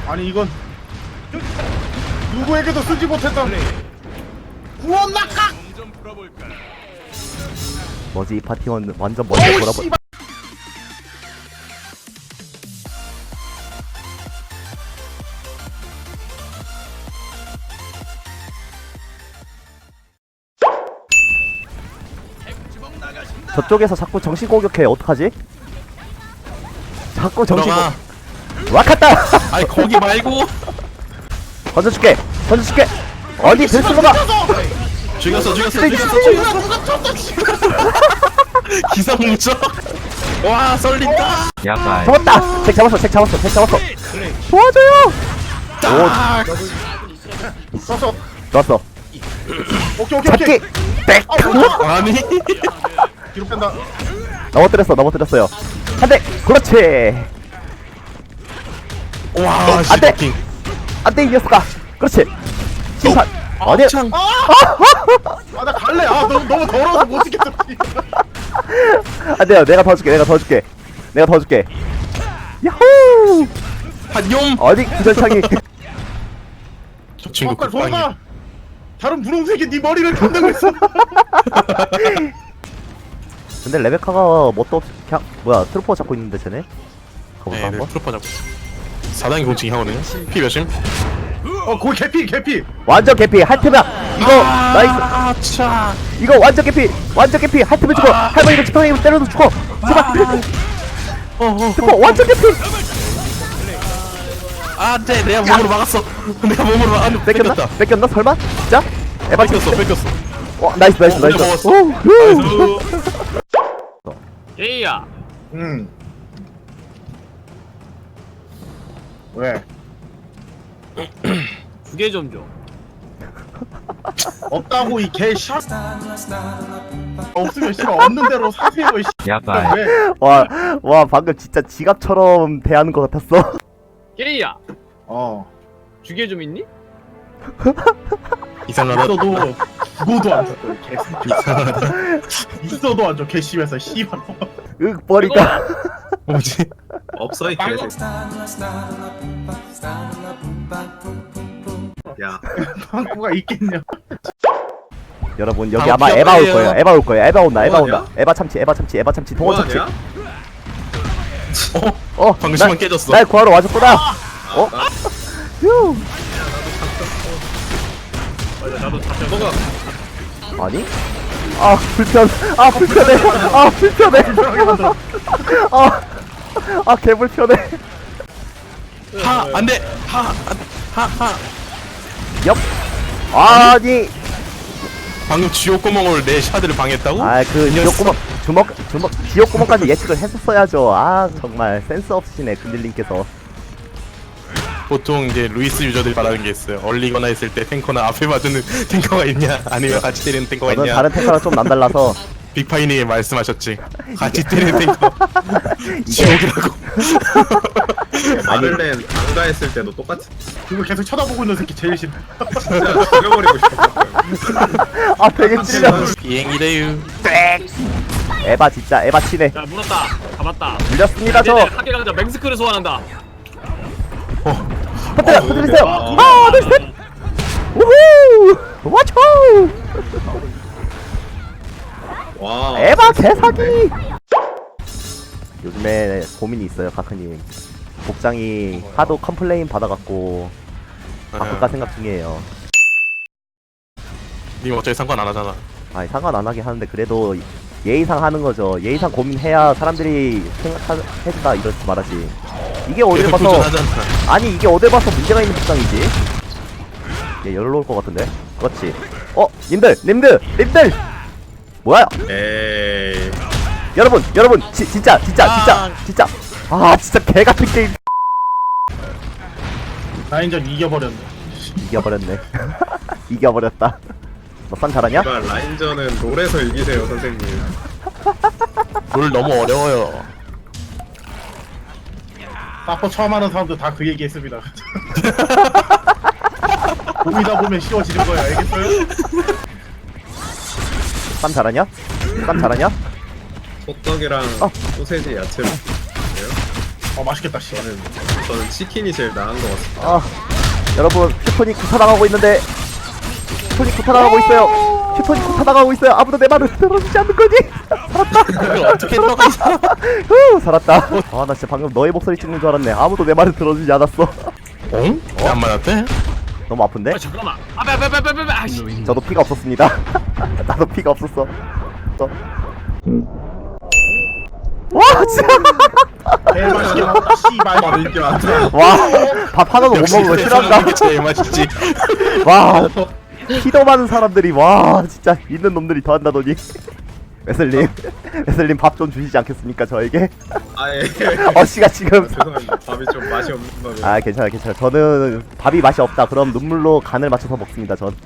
아니 이건 누구에게도 쓰지 못했던 구원 낙각. 뭐지 이 파티원 완전 먼저 어우 돌아버. 씨발. 저쪽에서 자꾸 정신 공격해. 어떡하지? 자꾸 정신 들어가. 와카타. 아니 거기 말고. 던져줄게. 던져줄게. 어디 들스로가. 죽였어. 누가 쳤다 씨발. 기상무적. 와 썰린다. 약간 잡았다. 잭 잡았어. 잭 잡았어. 잭 잡았어. 도와줘요. 딱. 쳤어. 좋았어. 오케이. 잡기. 백. 아니. 뒤로 뺀다. 넘어뜨렸어요. 한 대. 그렇지. 와 안 돼. 씨. 안돼 이 녀석아. 그렇지. 심판. 아니. 창. 나 갈래. 너무 더러워서 못 지겠어. 안돼요. 내가 더 줄게. 야호. 한용. 어디 구절창이. 저 친구 빨리 극방이. 도망가. 다른 분홍색이 네 머리를 감당고 있어. 근데 레베카가 뭣도 없이 그냥 뭐야 트루퍼 잡고 있는데 쟤네. 가볼까 네, 한번? 트로퍼 잡고. 4단계 공칭이 하거든요. 피 몇심? 거기 개피. 완전 개피 할트면 이거 나이스. 아차. 이거 완전 개피 할트면 죽어. 할머니가 지팡이로 때려도 죽어. 제발. 트루퍼 완전 개피. 안돼 내가 몸으로 막았어. 내가 몸으로 막. 뺏겼나 설마? 진짜? 에바 뺏겼어. 나이스. 혼자 먹었어. 오, 후. 예이야 왜? 2개 좀 줘. 없다고 이 개씨. 없으면 씨발 없는 대로 사세요. 씨. 약간 왜? 와 방금 진짜 지갑처럼 대하는 것 같았어. 예이야 2개 좀 있니? 이상하다. 있어도 죽어도 안 줘. 개새끼. 있어도 안 줘. 개심해서 씨발. 머리가. 뭐지? 없어 이 개새끼. 야, 방구가 있겠냐? 여러분 여기 아, 아마 귀엽다, 에바 올 얘요. 거예요. 에바 온다. 뭐하냐? 에바 참치 동원 참치. 뭐하냐? 방금 시간 깨졌어. 날 구하러 와줬구나. 휴. 나도 잡혀. 뭐가? 아니? 불편해. 개불편해. 하 안돼. 하. 옆. 아니. 방금 지옥 구멍을 내 샤드를 방했다고? 그 지옥구멍 지옥구멍까지 예측을 했었어야죠. 정말 센스 없으시네 근딜님께서. 보통 이제 루이스 유저들이 말하는 게 있어요. 얼리거나 했을 때 탱커나 앞에 맞는 탱커가 있냐, 아니면 같이 때리는 탱커가 저는 있냐. 다른 탱커랑 좀 남달라서. 빅파이님이 말씀하셨지. 같이 때리는 탱커 지옥이라고. 마를렌 안가 했을 때도 똑같이 그거 계속 쳐다보고 있는 새끼 제일 싫어. 진짜 죽여버리고 싶어. 되게 찔려. 비행이래유. 에바 진짜 에바 치네. 야 물었다. 잡았다. 물렸습니다 저. 하계 강자 맹스크를 소환한다. 터뜨리세요. 둘 셋. 우후. 와초. 와. 에바 개사기. 요즘에 고민이 있어요 카크님. 복장이 하도 컴플레인 받아갖고 바꿀까 생각 중이에요. 님 어차피 상관 안 하잖아. 상관 안 하게 하는데 그래도 예의상 하는 거죠. 예의상 고민해야 사람들이 생각해준다 이렇게 말하지. 이게 어딜 봐서 도전하잖아. 이게 어딜 봐서 문제가 있는 복장이지. 얘 열로 올 것 같은데. 그렇지. 님들 뭐야? 에이. 여러분 진짜 진짜 개같은 게임. 라인전 이겨버렸네. 이겨버렸네. 이겨버렸다. 너 싼 잘하냐? 이발 라인전은 롤에서 이기세요 선생님. 롤 너무 어려워요. 사퍼 처음 하는 사람도 다 그 얘기 했습니다. 보이다 보면 쉬워지는 거야. 알겠어요? 쌈 잘하냐? 호떡이랑 소세지 야채. 맛있겠다 씨. 저는 치킨이 제일 나은 것 같습니다. 아 여러분 슈퍼니 구타당하고 있는데 슈퍼니 구타당하고 있어요. 슈퍼니 구타당하고 있어요. 아무도 내 말을 들어주지 않는 거지? 그걸 어떻게 들어가 있어? 후 살았다. 아 나 진짜 방금 너의 목소리 찍는 줄 알았네. 아무도 내 말을 들어주지 않았어. 어? 안 맞았대? 너무 아픈데? 아 잠깐만. 아빼 아씨. 저도 피가 없었습니다. 나도 피가 없었어. 와 진짜 개맛있게 나왔다 씨발. 이게 맞아. 와밥 하나도 못 먹은 거 싫어한다. 제일 맛있지. 와 피도 많은 사람들이 와 진짜 있는 놈들이 더한다더니 웨슬님 밥 좀 주시지 않겠습니까 저에게? 아예. 어씨가 지금 죄송합니다. 밥이 좀 맛이 없는 밥이. 아 괜찮아 저는 밥이 맛이 없다 그럼 눈물로 간을 맞춰서 먹습니다 전.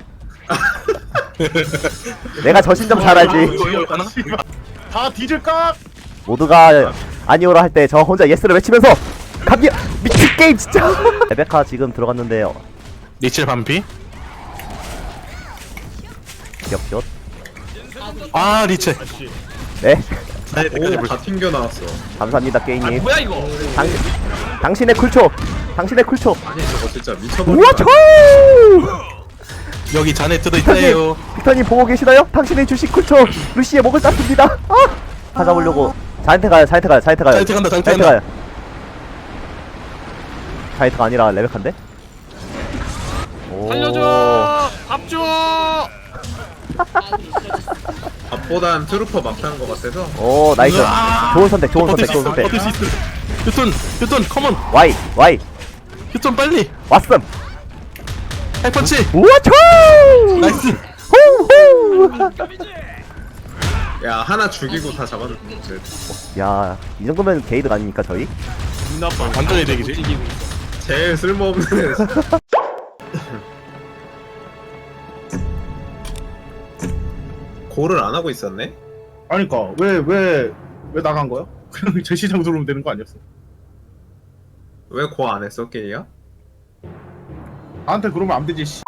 내가 저 신점 잘 알지. 다 뒤질까? 모두가 아니오라 할 때 저 혼자 예스를 외치면서 감기 미친 게임 진짜. 레베카 지금 들어갔는데요. 리첼 반피? 기억기억. 아 리첼. 네 오, 다 튕겨 나왔어. 감사합니다 아 게임님. 뭐야 이거? 당신의 쿨초 아니 저거 진짜 미쳐버린다. 우와 초. 여기 잔에 뜯어 빅터님 있대요. 빅터님 보고 계시나요? 당신의 주식 쿨초 루시의 목을 땄습니다. 찾아보려고 자이트 가요. 자이트 간다, 자이트 간다. 가요. 자이트가 아니라 레베카인데? 오. 살려줘. 밥 줘. 밥보단 트루퍼 막타는 것 같아서. 오 나이스. 으아. 좋은 선택 버틸 수 있어. 버틸 수 있어. 휴톤 컴온. 와이 휴톤 빨리. 왔음. 하이펀치. 우와 초. 나이스. 후후. 야 하나 죽이고 다 잡았는데. 야, 이 정도면 게이드 아닙니까 저희? 나빠. 완전히 대기지. 이기고 있어. 제일 쓸모없는 애. 골을 안 하고 있었네? 아니까 왜 나간 거야? 그냥 제 시장 들어오면 되는 거 아니었어? 왜 고 안 했어, 게이야? 나한테 그러면 안 되지 씨.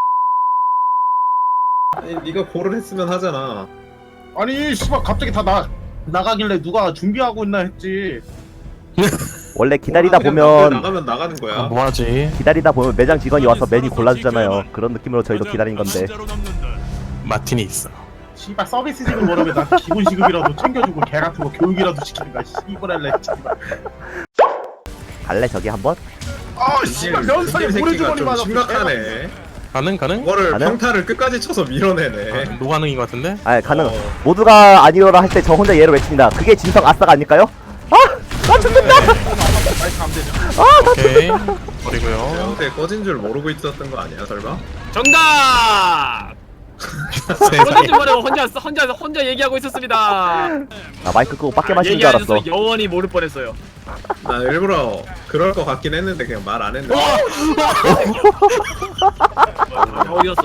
아니 네가 골을 했으면 하잖아. 아니 씨발 갑자기 다 나가길래 누가 준비하고 있나 했지. 원래 기다리다 그냥 보면 나가면 나가는 거야. 뭐하지? 기다리다 보면 매장 직원이 와서 메뉴 골라주잖아요. 그런 느낌으로 저희도 기다린 건데. 마틴이 있어. 씨발 서비스직을 뭐라면 나 기본 시급이라도 챙겨주고 개 같은 거 교육이라도 시키는가 씨발할래 씨발. 갈래 저기 한번? 아 씨발 면상에 새끼가 모래주머니 좀 맞아. 심각하네. 가능? 이거를 가능? 평타를 끝까지 쳐서 밀어내네. 노가능인 것 같은데? 아 가능. 어. 모두가 아니오라 할 때 저 혼자 얘를 외칩니다. 그게 진성 아싸가 아닐까요? 나 죽는다. 오케이. 버리고요. 평소에 꺼진 줄 모르고 있었던 거 아니야, 설마? 정답. 세상에. 그러지 말고 혼자 얘기하고 있었습니다. 나 마이크 끄고 빡게 마시는 줄 알았어. 얘기하셔서 영원히 모를 뻔했어요. 나 일부러 그럴 것 같긴 했는데 그냥 말 안 했는데. 어디였어?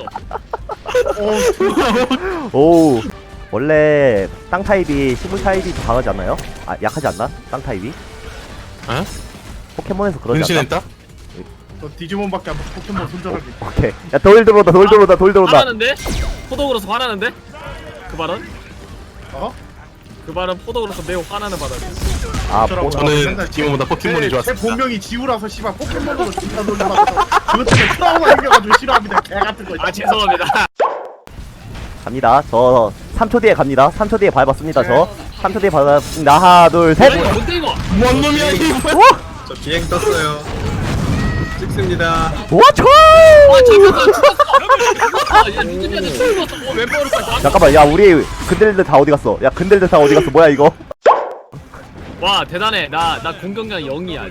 오. 원래 땅 타입이 식물 타입이 더 강하지 않나요? 아 약하지 않나? 땅 타입이? 어? 포켓몬에서 그러지 않나? 분신했다? 저 디지몬밖에 안 봐. 포켓몬 손절하기. 오케이. 야 돌 들어온다. 돌 들어온다. 화나는데? 포독으로서 화나는데? 그 발언? 어? 그 발언 포독으로서 매우 화나는 발언이야. 아 어쩌라고. 저는 지금보다 포켓몬이 제 좋았습니다. 본명이 지우라서 씨발 포켓몬으로 존나 놀려가지고 그것 때문에 트라우마 생겨가지고 싫어합니다. 개 같은 거. 아 죄송합니다. 갑니다. 저 3초 뒤에 갑니다. 3초 뒤에 밟았습니다. 저 3초 뒤에 밟았습니다. 하나 둘 셋. 뭔데 이거? 뭔 놈이야 이거? 저 비행 떴어요. 찍습니다. 와 초! 아 잠깐만 죽었어. 야 니들한테 죽었어. 왜 버렸어? 잠깐만 야 우리 근들들 다 어디 갔어? 야 근들들 다 어디 갔어? 뭐야 이거? 와 대단해. 나 공격량 0이야.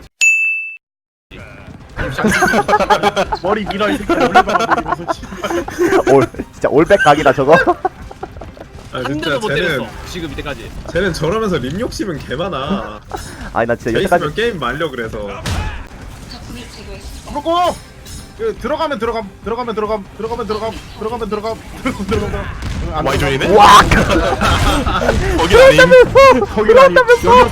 머리 밀어 이 새끼 올려가지고 씨발. 올 진짜 올백 각이다 저거. 아 한 진짜 대도 못 쟤는 때렸어. 지금 이때까지. 쟤는 저러면서 림 욕심은 개 많아. 아니 나 진짜 쟤 여태까지 있으면 게임 말려 그래서. 그리고 들어가면 와이존이네? 와 거기 아님. 그런다면서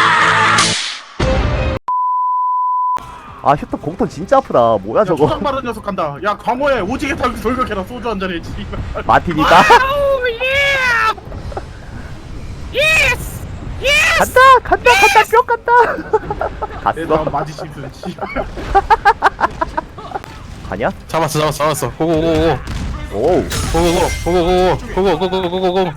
아 휴ton 공통 진짜 아프다. 뭐야 저거? 초장 바른 녀석 간다. 야 광호에 오지게 타고 돌격해라. 소주 한 잔에 씨발. 마틴이다. 아우 예. 예스. 예. 간다 뿅 간다. 얘나 갔어. 마지 심슨 씨. 가냐? 잡았어. 고고고고. 오우. 고고고고.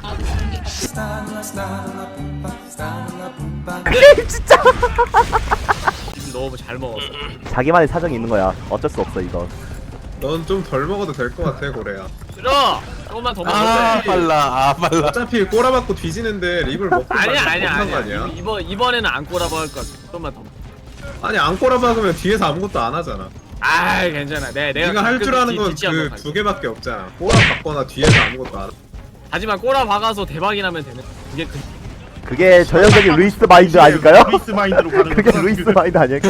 진짜. 지금 너무 잘 먹었어. 자기만의 사정이 있는 거야. 어쩔 수 없어 이거. 넌 좀 덜 먹어도 될 것 같아 고래야. 들어. 조금만 더 아 먹으면 돼. 빨라. 어차피 꼬라박고 뒤지는데 립을 먹고 아니야. 이번에는 안 꼬라봐 할 거야. 조금만 더. 아니 안 꼬라박으면 뒤에서 아무것도 안 하잖아. 아이 괜찮아. 내가 네가 할 줄 아는 건 뒤치 한번 그 갈게. 두 개밖에 없잖아. 꼬라박거나 뒤에서 아무것도 안 하. 하지만 꼬라 박아서 대박이 나면 되는. 그게 그. 그게 전형적인 루이스 마인드 아닐까요? 루이스 마인드로 가는 그게 루이스 마인드 아닐까?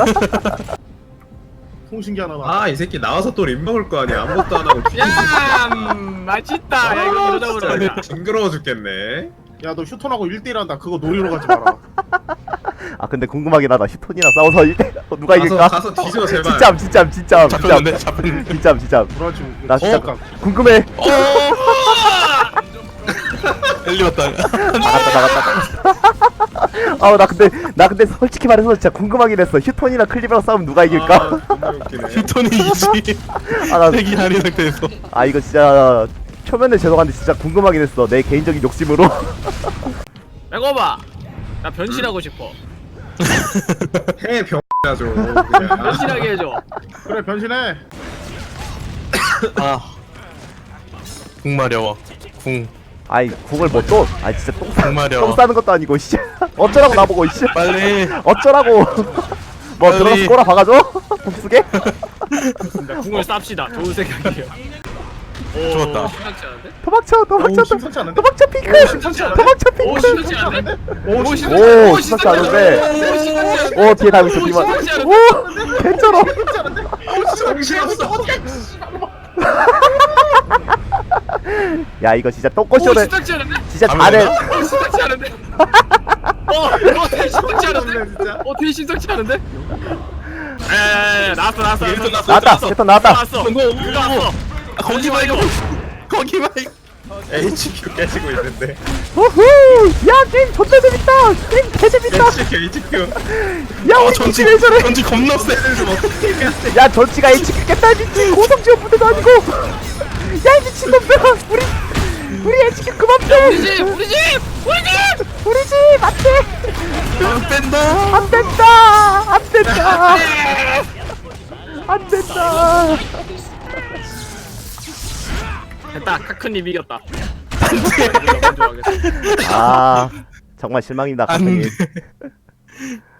통신기 하나 나. 아 이 새끼 나와서 또 립 먹을 거 아니야. 아무것도 안 하고 야 맛있다. 야 이거 이러다 진짜 보니까. 징그러워 죽겠네. 야너 휴톤하고 1대1 한다. 그거 노리러 가지 마라. 아 근데 궁금하긴 하다. 히톤이랑 싸워서 누가 이길까? 가서 뒤져 제발. 진짜. 잡혔는데. 브라질. 나 진짜 어? 궁금해. 엘리 왔다. 나갔다. 아우 나 근데 솔직히 말해서 진짜 궁금하긴 했어. 휴톤이랑 클리브랑 싸우면 누가 이길까? 아, 존나 웃기네. 휴톤이 이지. 아, 대기 아닌 상태에서. 아 이거 진짜 초면에 죄송한데 진짜 궁금하긴 했어. 내 개인적인 욕심으로. 백어봐. 나 변신하고 싶어. 해 병이야 좀. 그냥. 변신하게 해줘. 그래 변신해. 아. 궁 마려워. 궁. 아이 궁을 뭐 또? 아 진짜 똥 마려워. 싸는 것도 아니고 씨. 어쩌라고 나보고 씨. 빨리. 어쩌라고. 뭐 빨리. 들어가서 꼬라 박아줘? 복수게? 나 궁을 쌉시다. 좋은 생각이에요. 오, 좋았다. 심상치 않은데? 오 심상치 않은데? 도망쳐 핑크! 심상치 않은데? 도망쳐 오 핑크! 심상치 않은데? 오 심. 오 심상치 않은데. 오 심상치 않은데? 오 뒤에 달고 있어 뒤만. 심상치 않은데? 오 괜찮아. 정신없어. 야 이거 진짜 오 똥꼬쇼를 심상치 않은데? 진짜 안 잘해. 되나? 오 심상치 않은데? 되게 심상치 않은데? 진짜. 되게 심상치 않은데? 에에에 나왔어 나왔다. 패턴 나왔다. 나왔어 나왔어 거기 말고. 거기 말고. HQ 깨지고 있는데. 우후! 야 게임 존나 재밌다. 게임 개 재밌다. HQ. 야 우리 전지 왜 저래? 전지 겁나 세. 야 전치가 HQ 깼다 미친 고성지원 부대도 아니고. 야 이 미친놈들아 우리 HQ 그만 빼. 우리 집 우리 집 안돼. 안 뺀다. 안 된다. 안 된다. 안 된다. 됐다 카크님 이겼다 안돼 아 정말 실망이다 안 카크님. 돼.